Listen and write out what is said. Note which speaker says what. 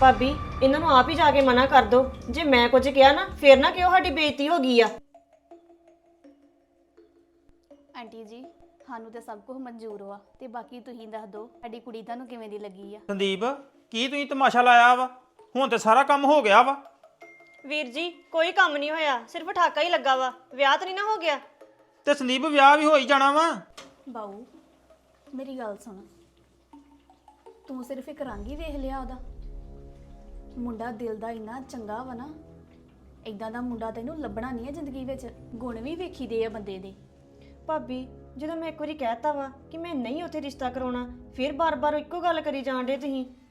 Speaker 1: ਭਾਬੀ ਇਹਨਾਂ ਨੂੰ ਆਪ ਹੀ ਜਾ ਕੇ ਮਨਾ ਕਰ ਦੋ। ਜੇ ਮੈਂ ਕੁਝ ਕਿਹਾ ਨਾ ਫੇਰ ਨਾ ਕਿਉਂ ਸਾਡੀ ਬੇਇੱਜ਼ਤੀ ਹੋ ਗਈ ਆ।
Speaker 2: ਆਂਟੀ ਜੀ ਸਾਨੂੰ ਤੇ ਸਭ ਕੁਝ ਮਨਜ਼ੂਰ ਵਾ ਤੇ ਬਾਕੀ ਤੁਸੀਂ ਦੱਸ ਦਿਓ ਸਾਡੀ ਕੁੜੀ ਤੁਹਾਨੂੰ ਕਿਵੇਂ ਦੀ ਲੱਗੀ ਆ।
Speaker 3: ਸੰਦੀਪ ਕੀ ਤੁਸੀਂ ਤਮਾਸ਼ਾ ਲਾਇਆ ਵਾ? ਹੁਣ ਤੇ ਸਾਰਾ ਕੰਮ ਹੋ ਗਿਆ ਵਾ।
Speaker 1: ਵੀਰ ਜੀ ਕੋਈ ਕੰਮ ਨਹੀਂ ਹੋਇਆ, ਸਿਰਫ ਠਾਕਾ ਹੀ ਲੱਗਾ ਵਾ, ਵਿਆਹ ਤਾਂ ਨਹੀਂ ਨਾ ਹੋ ਗਿਆ।
Speaker 3: ਤੇ ਸੰਦੀਪ ਵਿਆਹ ਵੀ ਹੋ ਹੀ ਜਾਣਾ ਵਾ।
Speaker 2: ਬਾਊ ਮੇਰੀ ਗੱਲ ਸੁਣ, ਤੂੰ ਸਿਰਫ ਇੱਕ ਰੰਗ ਹੀ ਵੇਖ ਲਿਆ ਉਹਦਾ। ਮੁੰਡਾ ਦਿਲ ਦਾ ਇੰਨਾ ਚੰਗਾ ਵਾ ਨਾ, ਇਦਾਂ ਦਾ ਮੁੰਡਾ ਤੈਨੂੰ ਲੱਭਣਾ ਨਹੀਂ ਹੈ ਜ਼ਿੰਦਗੀ ਵਿੱਚ। ਗੁਣ ਵੀ ਵੇਖੀਦੇ ਆ ਬੰਦੇ ਦੇ।
Speaker 1: ਭਾਬੀ ਜਦੋਂ ਮੈਂ ਇੱਕ ਵਾਰੀ ਕਹਿਤਾ ਵਾ ਕਿ ਮੈਂ ਨਹੀਂ ਉੱਥੇ ਰਿਸ਼ਤਾ ਕਰਾਉਣਾ, ਫਿਰ ਬਾਰ-ਬਾਰ ਇੱਕੋ ਗੱਲ ਕਰੀ ਜਾਣ ਡੇ ਤੁਸੀਂ।